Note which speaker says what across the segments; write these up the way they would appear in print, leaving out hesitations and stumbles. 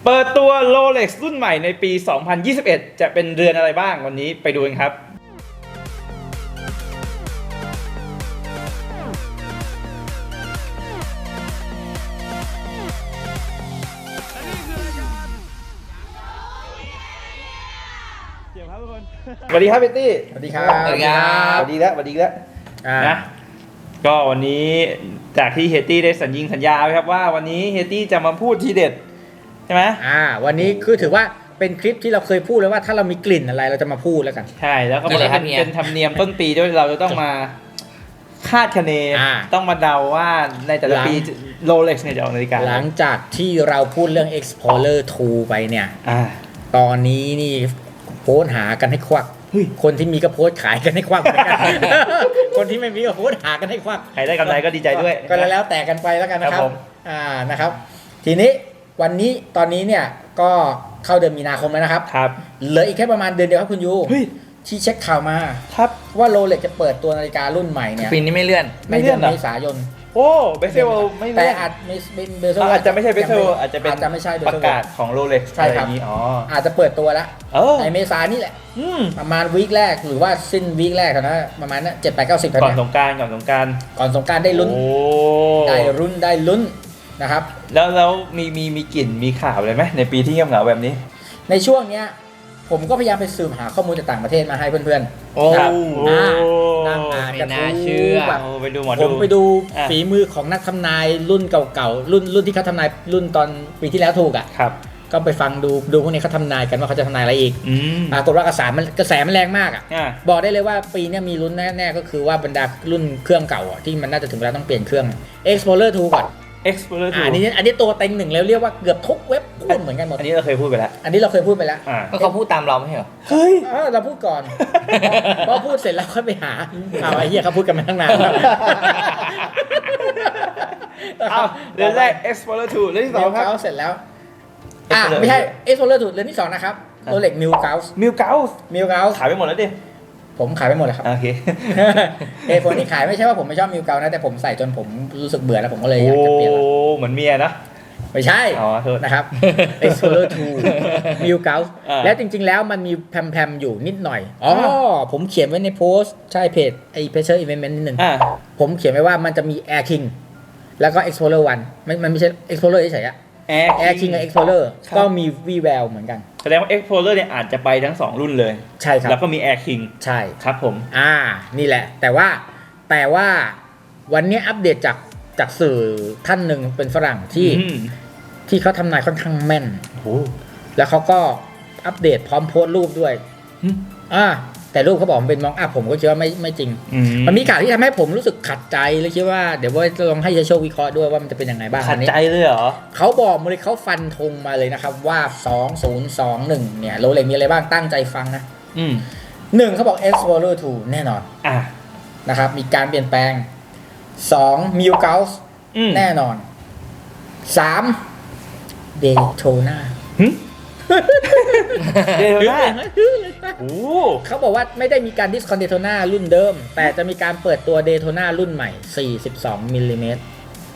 Speaker 1: เปิดตัว Rolex รุ่นใหม่ในปี 2021 จะเป็นเรือนอะไรบ้างวันนี้ไปดูกันครับสวัสดีครับเบตตี้
Speaker 2: สวัสดีครับ
Speaker 3: สวัสดีครับ
Speaker 1: สวัสดีแล้วนะก็วันนี้จากที่เฮตตี้ได้สัญญาไว้ครับว่าวันนี้เฮตตี้จะมาพูดทีเด็ดใช่ไหม
Speaker 2: วันนี้คือถือว่าเป็นคลิปที่เราเคยพูดเลยว่าถ้าเรามีกลิ่นอะไรเราจะมาพูดแล้วกัน
Speaker 1: ใช่แล้วก็เป็นธรรมเนียมต้นปีด้วยเราจะต้องมาคาดคะเนต้องมาเดาว่าในแต่ละปี Rolex เนี่ยจะออกนาฬิกา
Speaker 2: หลังจากที่เราพูดเรื่อง Explorer 2 ไปเนี่ยตอนนี้นี่โพสหากันให้ควักคนที่มีก็โพสขายกันให้ควักเหมือนกันคนที่ไม่มีก็โพสหากันให้ควัก
Speaker 1: ใครได้กำไรก็ดีใจด้วย
Speaker 2: ก็แล้วแต่กันไปแล้วกันนะครับนะครับทีนี้วันนี้ตอนนี้เนี่ยก็เข้าเดือนมีนาคมแล้วนะครับเหลืออีกแค่ประมาณเดือนเดียวครับคุณยูที่เช็คข่าวมา
Speaker 1: ครับ
Speaker 2: ว่าโรเล็กจะเปิดตัวนาฬิการุ่นใหม่เนี่ย
Speaker 3: ปีนี้ไม่เลื่อน
Speaker 2: เมษายน
Speaker 1: โอ้เบเซลไม่
Speaker 2: แต่อาจไม่เบเซล
Speaker 1: อาจจะไม่ใช่เบเซลอาจจะเป็นประกาศของโรเล็ก
Speaker 2: ใช่ครับอาจจะเปิดตัวแล้วในเมษายนนี่แหละประมาณวีคแรกหรือว่าสิ้นวีคแรกเท่านั้นประมาณนั้น7-8-90
Speaker 1: ก่อนสงกรานต์
Speaker 2: ได้ลุ้นได้ลุ้นนะครับ
Speaker 1: แล้วมีกลิ่นมีข่าวอะไรไหมในปีที่เงียบเหงาแบบนี้
Speaker 2: ในช่วงเนี้ยผมก็พยายามไปสืบหาข้อมูลจากต่างประเทศมาให้เพื่อน
Speaker 1: ๆ
Speaker 2: นั่งอ่านกัน
Speaker 1: แบบไปดู
Speaker 2: ผมไปดูฝีมือของนักทำนายรุ่นเก่าๆรุ่นที่เขาทำนายรุ่นตอนปีที่แล้วถูกอ่ะก็ไปฟังดูพวกนี้เขาทำนายกันว่าเขาจะทำนายอะไรอีกปรากฏว่ากระแสมันแรงมากอ่ะบอกได้เลยว่าปีนี้มีลุ้นแน่ๆก็คือว่าบรรดารุ่นเครื่องเก่าที่มันน่าจะถึงเวลาต้องเปลี่ยนเครื่อง Explorer 2 ก่อน
Speaker 1: Explorer 2
Speaker 2: อันนี้ตัวเต็งหนึ่งแล้วเรียกว่าเกือบทุกเว็บพูดเหมือนกันหมด
Speaker 1: อันนี้เราเคยพูดไปแล้ว
Speaker 3: ก็เขาพูดตามเราไม่ใช่เหรอ
Speaker 2: เฮ้ยเราพูดก่อนพอพูดเสร็จแล้วค่อยไปหาไอ้เหี้ยเขาพูดกันมาตั้งนาน
Speaker 1: เรื่องแรก Explorer 2เรื่องที่สองครับ
Speaker 2: เสร็จแล้วไม่ใช่ Explorer 2เรื่องที่สองนะครับRolex Milgauss
Speaker 1: ขายไปหมดแล้วดิ
Speaker 2: ผมขายไปหมดเลยครับ
Speaker 1: โอเค
Speaker 2: ผลที่ขายไม่ใช่ว่าผมไม่ชอบมิวเกานะแต่ผมใส่จนผมรู้สึกเบื่อแล้วผมก็เลยอยากจะเปลี่ยน
Speaker 1: เหมือนเมียนะ
Speaker 2: ไม่ใช่นะครับ Explorer 2 มิวเกาและจริงๆแล้วมันมีแพมๆอยู่นิดหน่อยผมเขียนไว้ในโพสต์ใช่เพจไอ้ Pressure Event นิดนึงผมเขียนไว้ว่ามันจะมี Air King แล้วก็ Explorer 1มันไม่ใช่ Explorer เฉยๆAir King กับ Explorer ก็มีวีแววเหมือนกัน
Speaker 1: แสดงว่า Explorer เนี่ยอาจจะไปทั้ง2รุ่นเลย
Speaker 2: ใช่ครับ
Speaker 1: แล้วก็มี Air King
Speaker 2: ใช่
Speaker 1: ครับผม
Speaker 2: นี่แหละแต่ว่าวันนี้อัปเดตจากสื่อท่านหนึ่งเป็นฝรั่งที่เขาทำนายค่อนข้างแม่นแล้วเขาก็อัปเดตพร้อมโพสต์รูปด้วยแต่รูปเขาบอกมันเป็นมองอัพผมก็คิดว่าไม่จริงมันมีข่าวที่ทำให้ผมรู้สึกขัดใจเลยคิดว่าเดี๋ยวว่าจะลองให้เชโชวิเคราะห์ด้วยว่ามันจะเป็นยังไงบ้าง
Speaker 1: ขัดใจเลยเหรอ
Speaker 2: เขาบอกมาเลยเขาฟันธงมาเลยนะครับว่า2021เนี่ยโรเล็กมีอะไรบ้างตั้งใจฟังนะ1เขาบอก Explorer 2 แน่นอนนะครับมีการเปลี่ยนแปลง2 Milgauss แน่นอน3 Daytonaเขาบอกว่าไม่ได้มีการดิสคอนเดโทนารุ่นเดิมแต่จะมีการเปิดตัวเดโทนารุ่นใหม่42มิลลิเมตร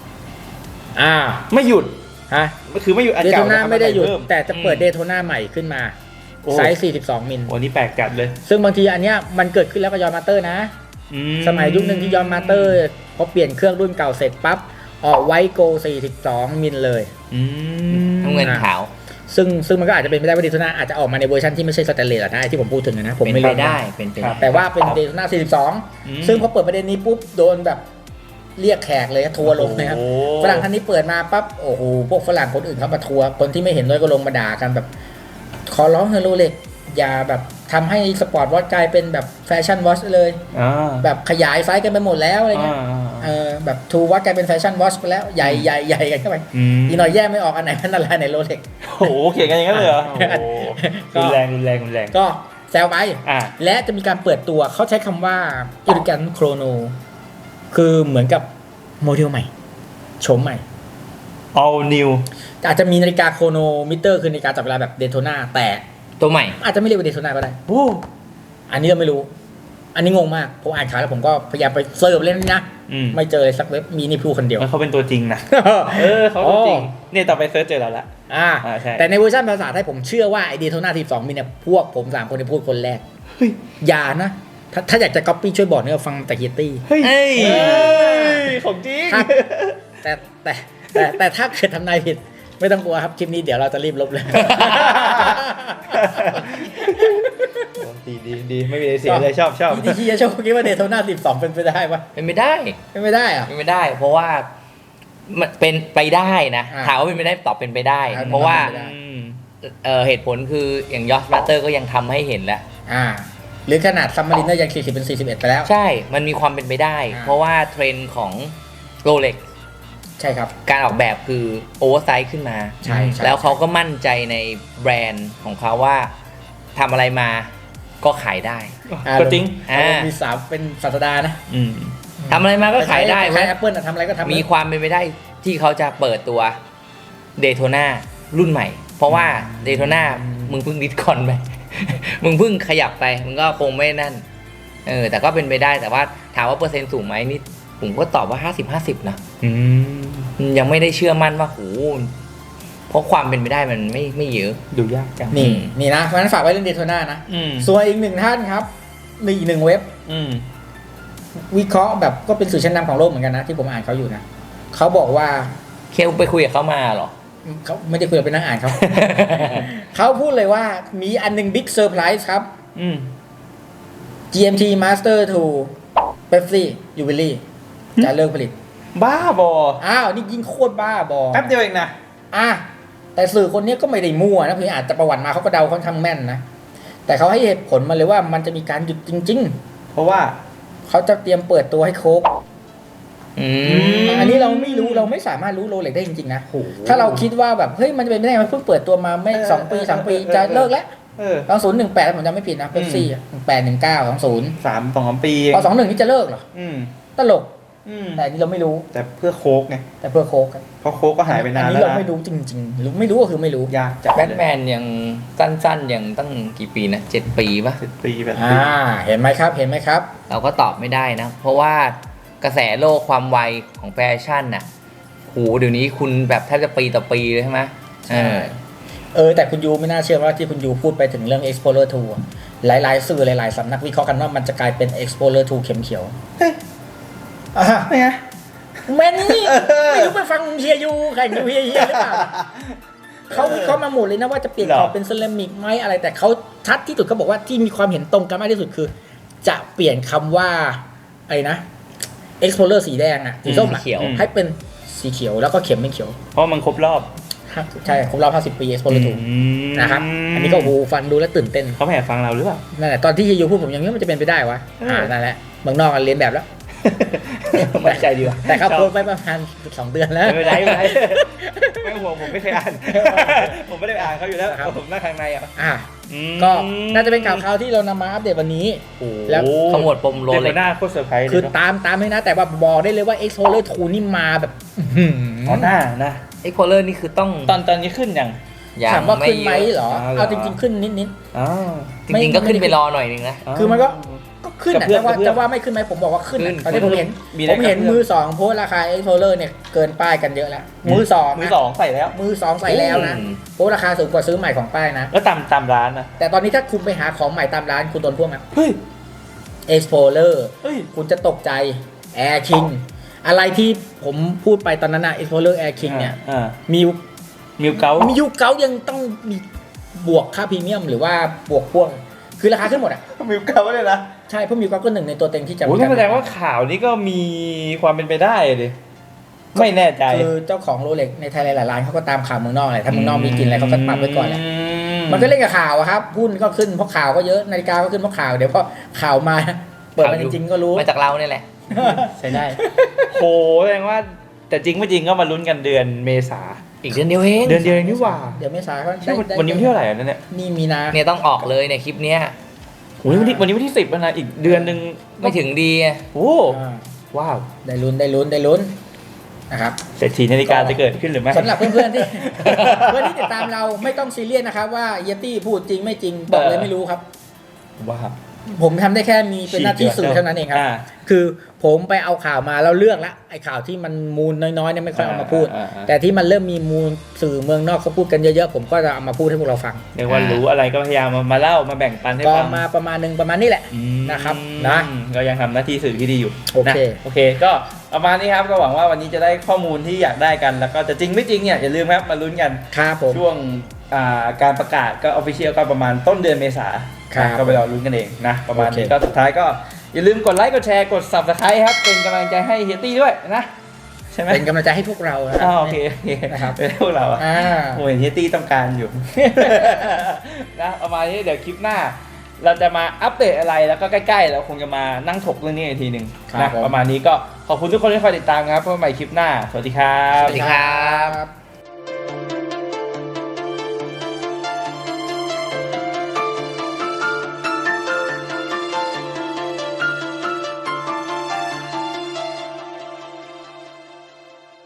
Speaker 1: ไม่หยุดคือไม่หยุด
Speaker 2: เดโทนาไม่ได้หยุดแต่จะเปิดเดโทนาใหม่ขึ้นมาไซส์42มิล
Speaker 1: วันนี้แปลกจัดเลย
Speaker 2: ซึ่งบางทีอันเนี้ยมันเกิดขึ้นแล้วกับยอนมาสเตอร์นะสมัยยุคนึงที่ยอนมาสเตอร์พอเปลี่ยนเครื่องรุ่นเก่าเสร็จปั๊บออกไวโก42มิลเลย
Speaker 3: น้ำเงินขาว
Speaker 2: ซึ่งมันก็อาจจะเป็นไปได้ว่าเดโทนาอาจจะออกมาในเวอร์ชันที่ไม่ใช่สแตนเลสนะที่ผมพูดถึงนะผมไม่รู้
Speaker 3: ได้
Speaker 2: แต่ว่าเป็นเดโทนา42ซึ่งพอเปิดประเด็นนี้ปุ๊บโดนแบบเรียกแขกเลยทัวร์ลงนะครับฝรั่งท่านนี้เปิดมาปั๊บโอ้โหพวกฝรั่งคนอื่นเขามาทัวร์คนที่ไม่เห็นด้วยก็ลงมาด่ากันแบบขอร้องเฮโรเล็กอย่าแบบทำให้สปอร์ตวอทกลายเป็นแบบแฟชั่นวอชเลยแบบขยายไซส์กันไปหมดแล้วอะไรเงี้ยแบบทูวอทกลายเป็นแฟชั่นวอชไปแล้วใหญ่กันเข้าไปอีกหน่อยแยกไม่ออกอันไหนเป็นอะไรในโรเล็ก
Speaker 1: โอ้โหเขียนกันอย่างนั้นเลยเหรอรุนแรง
Speaker 2: ก็แซวไปและจะมีการเปิดตัวเขาใช้คำว่า Elegant Chrono คือเหมือนกับโมเดลใหม่โฉมใหม่
Speaker 1: all new
Speaker 2: อาจจะมีนาฬิกาโครโนมิเตอร์คือนาฬิกาจับเวลาแบบเดโทนาแต่
Speaker 3: ตัวใหม่
Speaker 2: อาจจะไม่เรียกว่าเดโทนาก็ได้อันนี้เราไม่รู้อันนี้งงมากผมอ่านข่าวแล้วผมก็พยายามไปเซิร์ฟเล่นนะ ไม่เจอเลยสักเว็บมีนี่พูดคนเดียว
Speaker 1: เขาเป็นตัวจริงนะเขาตัวจริงเนี่ยต่อไปเซิร์ชเจอแล้วละใช่
Speaker 2: แต่ในเวอร์ชันภาษาไทยผมเชื่อว่าไอเดโทนา12มีเนี่ยพวกผม3คนที่พูดคนแรกอย่านะถ้าอยากจะก๊อปปี้ช่วยบอกเนี่ยฟังแต่เฮียตี้
Speaker 1: เฮ้ยของจริง
Speaker 2: แต่ถ้าเกิดทำนายผิดไม่ต้องกลัวครับคลิปนี้เดี๋ยวเราจะรีบลบเลย
Speaker 1: ดีไม่มีอะไรเสียเลยชอบ
Speaker 2: ที่จะชอบคิดว่าเดโทนา12เป็นไปได้ปะ
Speaker 3: เป็นไม่ได้
Speaker 2: เป็นไม่ได้อะ
Speaker 3: เป็นไม่ได้ เพราะว่ามันเป็นไปได้นะถามว่าเป็นไปได้ตอบเป็นไปได้ เพราะว่าเหตุผลคืออย่างยอสบัตเตอร์ก็ยังทำให้เห็นแล้ว
Speaker 2: หรือขนาดซัมมารินเนอร์ยัง40เป็น41ไปแล้ว
Speaker 3: ใช่มันมีความเป็นไปได้เพราะว่าเทรนด์ของโรเล็ก
Speaker 2: ใช่ครับ
Speaker 3: การออกแบบคือโอเวอร์ไซส์ขึ้นมา
Speaker 2: ใช่
Speaker 3: แล้วเขาก็มั่นใจในแบรนด์ของเขาว่าทำอะไรมาก็ขายได้
Speaker 1: ก็จริง
Speaker 2: มี3เป็นศาสดานะ
Speaker 3: ทำอะไรมาก็ขายได้
Speaker 2: ใช้ Apple ทำอะไรก็ทำ
Speaker 3: มีความเป็นไปได้ที่เขาจะเปิดตัวเดโทนารุ่นใหม่เพราะว่าเดโทนามึงเพิ่งดิสคอนไปมึงเพิ่งขยับไปมึงก็คงไม่นั่นแต่ก็เป็นไปได้แต่ว่าถามว่าเปอร์เซ็นต์สูงไหมนี่ผมก็ตอบว่า50-50นะยังไม่ได้เชื่อมั่นว่าโหเพราะความเป็นไปได้มันไม่เยอะ
Speaker 1: ดูยากจัง
Speaker 2: นี่นะเพราะฉะนั้นฝากไว้เรื่องเดโทนานะส่วนอีกหนึ่งท่านครับอีกหนึ่งเว็บวิเคราะห์แบบก็เป็นสื่อชั้นนำของโลกเหมือนกันนะที่ผมอ่านเขาอยู่นะเขาบอกว่า
Speaker 3: เคลไปคุยกับเขามาหรอ
Speaker 2: เขาไม่ได้คุยกับเป็นนักอ่านเขา เขาพูดเลยว่ามีอันนึงบิ๊กเซอร์ไพรส์ครับGMT Master 2 Pepsi Jubilee จะเลิกผลิต
Speaker 1: บ้าบอ
Speaker 2: นี่ยิ่งโคตรบ้าบอ
Speaker 1: แป๊บเดียวเองนะ
Speaker 2: แต่สื่อคนนี้ก็ไม่ได้มั่วนะคืออาจจะประวัติมาเขาก็เดาค่อนข้างแม่นนะแต่เขาให้เหตุผลมาเลยว่ามันจะมีการหยุดจริงๆ
Speaker 1: เพราะว่า
Speaker 2: เขาจะเตรียมเปิดตัวให้โค้กอันนี้เราไม่รู้เราไม่สามารถรู้โรเล็กได้จริงๆนะถ้าเราคิดว่าแบบเฮ้ยมันจะเป็นไม่ได้มันเพิ่งเปิดตัวมาไม่2 ปี 3 ปีจะเลิกแล้ว2018ผมจำไม่ผิดนะเป็น4 18 19 20
Speaker 1: 2 ปี
Speaker 2: พอ21นี่จะเลิกเหรอตลกแต่นี่เราไม่รู้
Speaker 1: แต่เพื่อโค้กไง
Speaker 2: แต่เพื่อโค้ก
Speaker 1: เพราะโค้กก็หายไปนานแล้วนะ
Speaker 2: อันนี้เราไม่รู้จริงๆรู้ไม่รู้ก็คือไม่รู้
Speaker 1: ยากจัด
Speaker 3: แบทแมนยังสั้นๆยังตั้งกี่ปีนะ7 ปีป่ะ
Speaker 1: 7 ปีแบบ
Speaker 2: เห็นไหมครับ
Speaker 3: เราก็ตอบไม่ได้นะเพราะว่ากระแสโลกความไวของแฟชั่นน่ะโหเดี๋ยวนี้คุณแบบแทบจะปีต่อปีเลยใช่ไหม
Speaker 2: แต่คุณยูไม่น่าเชื่อว่าที่คุณยูพูดไปถึงเรื่อง Explorer 2หลายๆสื่อหลายๆสำนักวิเคราะห์กันว่ามันจะกลายเป็น Explorer 2 เข็มเขียว
Speaker 1: ไม่ไง
Speaker 2: แม่นี่ไม่รู้ไปฟังเฮียยูแข่งเฮียหรือเปล่าเขาวิเคราะห์มาหมดเลยนะว่าจะเปลี่ยนขอบเป็นเซรามิกไหมอะไรแต่เขาชัดที่สุดเขาบอกว่าที่มีความเห็นตรงกันมากที่สุดคือจะเปลี่ยนคำว่าอะไรนะ Explorer สีแดงสีส้มให้เป็นสีเขียวแล้วก็เข็มเป็นเขียว
Speaker 1: เพราะมันครบรอบ
Speaker 2: ใช่ครบรอบ50 ปี Explorer 2นะครับอันนี้ก็ฟังดูแล้วตื่นเต้น
Speaker 1: เขาแอบฟังเราหรือเปล่า
Speaker 2: นั่นแหละตอนที่เฮียยูพูดผมยังนึกว่ามันจะเป็นไปได้วะนั่นแหละเมืองนอกกันเรียนแบบแล้ว
Speaker 1: มั่นใจดีว่ะ
Speaker 2: แต่เขาโพสต์ไปประมาณ2 เดือนแล้ว
Speaker 1: ไม่ได้ไม่ห่วงผมไม่เคยอ่านผมไม่ได้อ่านเขาอยู่แล้วผมนั่งข้างใน
Speaker 2: ก็น่าจะเป็นข่าวที่เรานำมาอัปเดตวันนี้
Speaker 3: แล้วขมวดปมโรเล็ก
Speaker 1: หน้าโคตรเซอร์ไพรส์
Speaker 2: คือตามให้นะแต่ว่าบอกได้เลยว่า Explorer 2 นี่มาแบบ
Speaker 1: หน้านะ
Speaker 3: Explorer นี่คือต้อง
Speaker 1: ตอนนี้ขึ้นยัง
Speaker 2: ถามว่าขึ้นไหมเหรอเอาจริงๆขึ้นนิด
Speaker 3: ๆจริงๆก็ขึ้นไปรอหน่อยนึงนะ
Speaker 2: คือมันก็ขึ้นจะว่าไม่ขึ้นไหมผมบอกว่าขึ้นตอนนี้ผมเห็นมือ2โพสราคา Explorer เนี่ยเกินป้ายกันเยอะแล้วมือ2
Speaker 1: ใส่แล้ว
Speaker 2: มือ2ใส่แล้วนะโพสราคาสูงกว่าซื้อใหม่ของป้ายนะ
Speaker 1: แล้วตามร้านนะ
Speaker 2: แต่ตอนนี้ถ้าคุณไปหาของใหม่ตามร้านคุณโดนพวกนั้นExplorer คุณจะตกใจ Air King อะไรที่ผมพูดไปตอนนั้นนะ Explorer Air King เนี่ยมิวเกายังต้องมีบวกค่าพรีเมียมหรือว่าบวกพ่วงคือราคาขึ้นหมด
Speaker 1: มิวเกาเลยนะ
Speaker 2: ใช่เพราะมิวเกาก็หนึ่งในตัวเต็งที่จะ
Speaker 1: แสดงว่าข่าวนี้ก็มีความเป็นไปได้ดิไม่แน่ใจ
Speaker 2: คือเจ้าของโรเล็กในไทยหลายๆร้านเขาก็ตามข่าวเมืองนอกอะไรถ้าเมืองนอกมีกินอะไรเขาก็ปัดไว้ก่อนแหละมันก็เล่นกับข่าวครับหุ้นก็ขึ้นเพราะข่าวก็เยอะนาฬิกาก็ขึ้นเพราะข่าวเดี๋ยวพอข่าวมาเปิดมาจริงๆก็รู้
Speaker 3: มาจากเราเนี่ยแหละ
Speaker 2: ใช่ได้
Speaker 1: โหแสดงว่าแต่จริงไม่จริงก็มาลุ้นกันเดือนเมษา
Speaker 3: อีกเดือนเดียวเอง
Speaker 1: นี่หว่า
Speaker 2: เดี๋ยวเมษา
Speaker 1: เขาวันนี้วันที่เท่าไหร่นั่นเนี่ย
Speaker 2: นี่มีนา
Speaker 3: เนี่ยต้องออกเลยในคลิปเนี้ย
Speaker 1: วันนี้วันที่10แล้วนะอีกเดือนนึง
Speaker 3: ไม่ถึงดี
Speaker 1: โอ้ว้าว
Speaker 2: ได้ลุ้นนะครับ
Speaker 1: เศรษฐีนาฬิกาจะเกิดขึ้นหรือไม่
Speaker 2: สำหรับเพื่อนๆที่ติดตามเราไม่ต้องซีเรียสนะครับว่าเยตี้พูดจริงไม่จริงบอกเลยไม่รู้ครับ
Speaker 1: ว้าว
Speaker 2: ผมทำได้แค่มีเป็นหน้าที่สื่อเท่านั้นเองครับ คือผมไปเอาข่าวมาแล้วเลือกละไอ้ข่าวที่มันมูลน้อยๆเนี่ยไม่ค่อยเอามาพูด แต่ที่มันเริ่มมีมูลสื่อเมืองนอกเขาพูดกันเยอะๆผมก็จะเอามาพูดให้พวกเราฟัง
Speaker 1: เรียกว่ารู้อะไรก็พยายามมาเล่ามาแบ่งปันให้
Speaker 2: ก็
Speaker 1: ฟัง
Speaker 2: มาประมาณนึงประมาณนี้แหละนะครับนะ
Speaker 1: ก็ยังทำหน้าที่สื่อที่ดีอยู่
Speaker 2: โอเค
Speaker 1: นะโอเค ก็ประมาณนี้ครับก็หวังว่าวันนี้จะได้ข้อมูลที่อยากได้กันแล้วก็จะจริงไม่จริงเนี่ยอย่าลืมครับมาลุ้นกัน
Speaker 2: ครับผม
Speaker 1: ช่วงการประกาศก็ออฟฟิเชียลก็ประมาณต้นเดือนเมษา
Speaker 2: ครับ
Speaker 1: ก็ไปรอลุ้นกันเองนะประมาณนี้
Speaker 2: โอเค
Speaker 1: ก็สุดท้ายก็อย่าลืมกดไลค์กดแชร์กด Subscribe ครับเป็นกำลังใจให้เฮียตี้ด้วยนะใช่ไหม
Speaker 2: เป็นกำลังใจให้พวกเรานะ
Speaker 1: โอเค
Speaker 2: นะครับ
Speaker 1: เป็นพวกเราอะ
Speaker 2: อ่า
Speaker 1: โอ้ยเฮียตี้ต้องการอยู่ นะประมาณนี้เดี๋ยวคลิปหน้า เราจะมาอัปเดตอะไรแล้วก็ใกล้ๆเราคงจะมานั่งถกเรื่องนี้อีกทีหนึ่ง
Speaker 2: ครั
Speaker 1: นะ
Speaker 2: บผม
Speaker 1: ประมาณนี้ก็ขอบคุณทุกคนที่คอยติดตามครับเพื่อใหม่คลิปหน้าสวัสดีครับ
Speaker 3: สวัสดีครับ
Speaker 2: ครับ